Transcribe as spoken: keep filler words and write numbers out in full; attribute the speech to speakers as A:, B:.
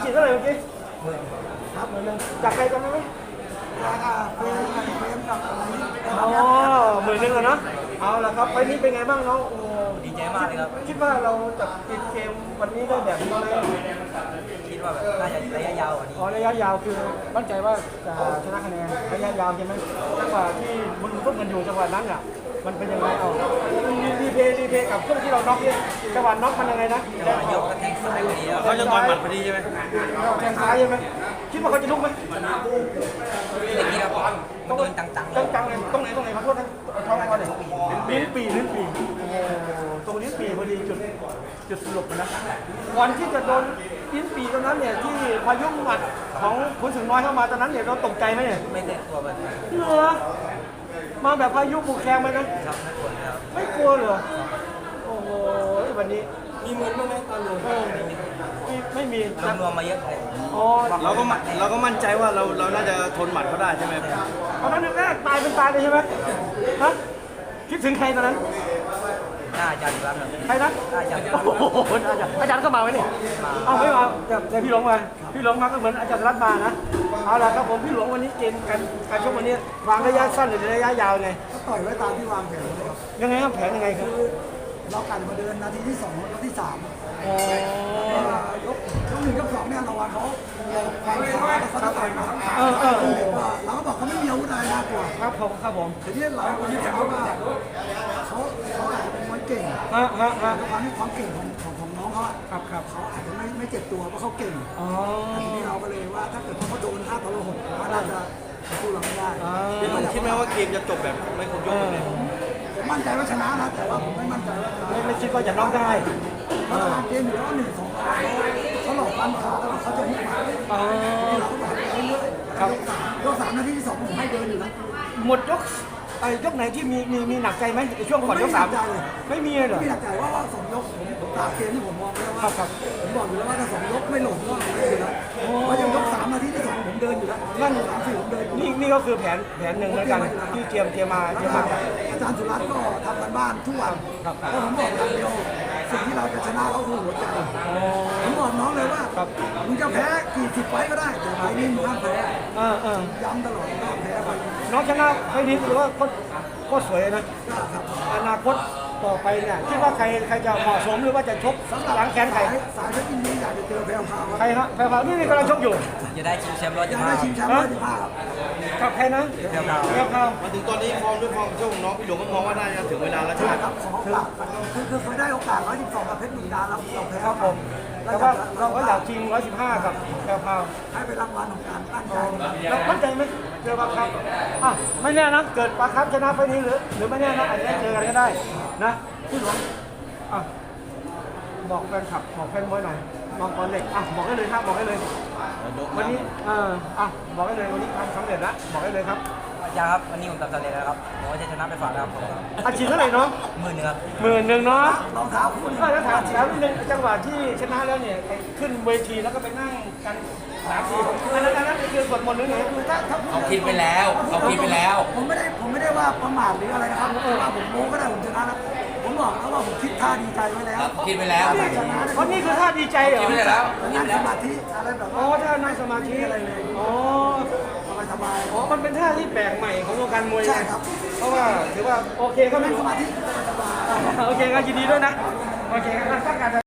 A: ฉีดเท่าไหร่เมื่อกี้
B: หมื่นครับ
A: เหมือนเลยจากใครจำได้ไหม
B: ราคาเฟรมเฟรมกับอะไรนี้
A: อ๋อหมื่นหนึ่งอะเนาะเอาละครับไฟล์นี้เป็นไงบ้างน้องโอ้
B: ดีใจมากเลยครับ
A: คิดว่าเราจะปิดเกมวันนี้ได้แบบนี้ไหม
B: คิดว่าแบบน่าจะระยะยาวกว่านี้
A: อ๋อระยะยาวคือมั่นใจว่าจะชนะคะแนนระยะยาวใช่ไหมจังหวะที่มันต้นกันอยู่จังหวะนั้นอ่ะมันเป็นยังไงเอารีเพย์รีเพย์กับช่วงที่เราน็อกเนี่ยจังหวะน็อกมันยังไงนะ
B: จังหวะยกก็แทงซ้ายพอดีครับ
C: เขาจะต่อยหมัดพอดีใช่ไหม
A: เราแทงซ้ายใช่ไหมคิดว่าเขาจะลุกไหม
B: อย่างนี้ครับมันโดนจังๆเลย
A: จังๆเลยตรงไหนตรงไหนขอโทษนะท้องเขาเลยลิ้นปีลิ้นปีโอ้ตรงลิ้นปีพอดีจุดจุดสรุปนะก่อนที่จะโดนลิ้นปีตรงนั้นเนี่ยที่พายุหมัดของคุณถึงน้อยเข้ามาตอนนั้นเนี่ยเราตกใจไหมเนี่ย
B: ไม่ได้ตัวมัน
A: เหรอมาแบบพายุบุกแคงไปนะ
B: ครับไม่ควรเลยครับ
A: ไม่กลัวเหรอโอ้โหวันนี้มีมือบ้างไหมตอนลงไม่ไม่มี
B: รวมๆมาเยอะเลย
A: อ๋อ
C: เราก็มั่นเราก็มั่นใจว่าเราเราน่าจะทนหมัดเขาได้ใช่ไหม
A: ตอนนั้นแรกตายเป็นตายเลยใช่ไหมฮะคิดถึงใครตอนนั้น
B: หน้าอาจารย์ครับ
A: ใครนะ
B: หน้าอาจารย์
A: โอ้โหอาจารย์อาจารย์ก็มาไหมเนี่ยเอาไม่มาแต่แต่พี่หลวงมาพี่หลวงมาก็เหมือนอาจารย์รัตน์มานะเอาล่ะครับผมพี่หลวงวันนี้เกมการการชกวันนี้วางระยะสั้นหรือระยะยาวไง
D: ก็ต่อยไว้ตามที่วางแผนเลยครับ
A: ยังไงครับแผนยังไงครับ
D: เรากันมาเดินนาทีที่สองนาทีที่สาม
A: อ๋อย
D: กยกหนึ่งยกสองเนี่ยเราวางเขาเราวางขาแล้วเขาจะต่อยมา
A: เออเออ
D: เราก็บอกเขาไม่มีอาวุธอะไรน่ากลัว
A: ครับผมครับผม
D: ทีนี้เราคนที่เขาว่าเขาเขาอาจจะเป็นมวยเก่ง
A: ฮะฮะฮะ
D: ด้วยความที่ความเก่งของของของน้องเขาอะ
A: ครับครับ
D: เขาอาจจะไม่ไม่เจ็บตัวเพราะเขาเก่ง
A: อ๋อ
D: แต่ทีนี้เราก็เลยว่าถ้าเกิดเขาโดนท่าทรหดเขาน่าจะสู้เราไม่ได้
A: อ่า
C: พี่หนุ่มคิดไหมว่าเกมจะจบแบบไม่ครบยกเลย
D: ผมมั่นใจว่าชนะนะแต่ว่าผมไม่มั่นใจว่าชนะ
A: ไม่ไม่คิดว่าจะน็อกได้
D: เพราะว่าเกมอยู่แล้วหนึ่งสองเขาหลอกฟันขาแล้วเขาจะหุบมา
A: อ๋อ
D: เราก็บอกไปเรื่อยๆ
A: ครับ
D: ยกสามนาทีที่สองผมให้เดินอยู่นะ
A: หมดยกไอ้ยกไหนที่มีมีมีหนักใจไหมในช่วงก่อนยกสามไม่มีเลยเหรอ
D: พี่หนักใจว่าว่าสองยกผมผมตามเกมที่ผมมองแล้ว
A: ครั
D: ว่า
A: บครับ
D: ผมบอกอยู่แล้วว่าถ้าสองยกไม่หลงก็ผมได้อยู่แล้วเพราะยังยกสามนาทีที่สองผมเดินอยู่แล้วนั่นสามสี่ผมเดินอยู่
A: นี่นี่ก็คือแผนแผนหนึ่งเหมือนกันที่เตรียมเตรียมมาเตรียมมา
D: อาจารย์สุรัตน์ก็ทำกันบ้านทุกวัน
A: ครับ
D: เพราะผมบอกอย่างเดียวสิ่งที่เราจะชนะเขาคือหัวใจ ผมบอกน้องเลยว่า
A: ครับ
D: มึงจะแพ้กี่สิบไฟต์ก็ได้แต่ไฟต์นี้มึงห้ามแพ้
A: เออเออ
D: ย้ำตลอดว่าห้ามแพ้ไฟต์นี้
A: น้องชนะไฟล์นี้ถือว่าก็ก็สวยนะ
D: ครับ
A: อนาคตต่อไปเนี่ยคิดว่าใครใครจะเหมาะสมหรือว่าจะชกหลังแขนใคร
D: สายเพชรยินดีอยากจะเจอแพรวพราว
A: ใครฮะแพรพาวนี่นี่กำลังชกอยู่
B: จะได้ชิงแชมป์ร้อย
D: อ
B: ยี่
D: ยาก
B: สิบ
D: ได้
B: ห้า
D: ชิงแชมป์ร้อยสิบห้าครับ
A: กับใครนะ
B: เรียบร้อย
A: แพรพาว
C: มาถึงตอนนี้ฟอร์มด้วยฟอร์มโชคของน้องพี่หลวงก็มองว่าน่าจะถึงเวลาแล้วใช่ไหม
D: ครับขอโอกาสคือคือเคยได้โอกาสร้อยสิบสองกับเพชรบุรีรัมย์แล้วเราแพ้
A: ครับผมแต่ว่าเราก็อยากชิงร้อยสิบห้ากับแพรพาว
D: ให้ไปรางวัลของการตั้งใจ
A: เรามั่นใจไหมเจอปลาครับอ่ะไม่แน่นะเกิดปลาครับชนะไฟล์นี้หรือหรือไม่แน่นะอาจจะได้เจอกันก็ได้นะพี่หลวงอ่ะบอกแฟนคลับบอกแฟนมวยหน่อยมองก่อนเด็กอ่ะบอกได้เลยครับบอกได้เลย วันนี้เอออ่ะบอกได้เลยวันนี้ทำสำเร็จแล้วบอกได้เลยครับ
B: อาจารย์ครับวันนี้ผมทำสำเร็จแล้วครับผมว่าจะชนะไปฝากนะครับผมครับ
A: อาชีพเท่าไหร่เนาะ
B: หมื่นหนึงครับ
A: หมื่นหนึ่งเนาะ
D: รองเท้าคู่นี้
A: ก็แล้วถามแล้วนิดนึงจังหวะที่ชนะแล้วเนี่ยไปขึ้นเวทีแล้วก็ไปนั่งกันสามสี่อันนั้นอันนั้นคือสวดมนต์หรือไงคือถ้าถ้า
B: เขาคิดไปแล้วเขาคิดไปแล้ว
D: ผมไม่ได้ผมไม่ได้ว่าประมาทหรืออะไรนะครับผมว่าผมโม้ก็ได้ผมชนะนะผมบอกแล้วว่าผมคิดท่าดีใจไว้แล้ว
B: คิดไปแล้ว
D: ถ้าชนะ
A: เพราะนี่คือท่าดีใจเหรอ
B: คิดไปแล้ว
D: นั่งสมาธิอะไรแบบ
A: อ๋อท่านั่งสมาธิอะไรเลยอ๋อ
D: สบาย
A: อ๋อมันเป็นท่าที่แปลกใหม่ของวงการมวย
D: ๆใช่ครับ
A: เพราะว่าถือว่าโอเคก็ไม่
D: นั่งสมาธิสบายๆ
A: โอเคก็ยินดีด้วยนะโอเคครับตั้งการ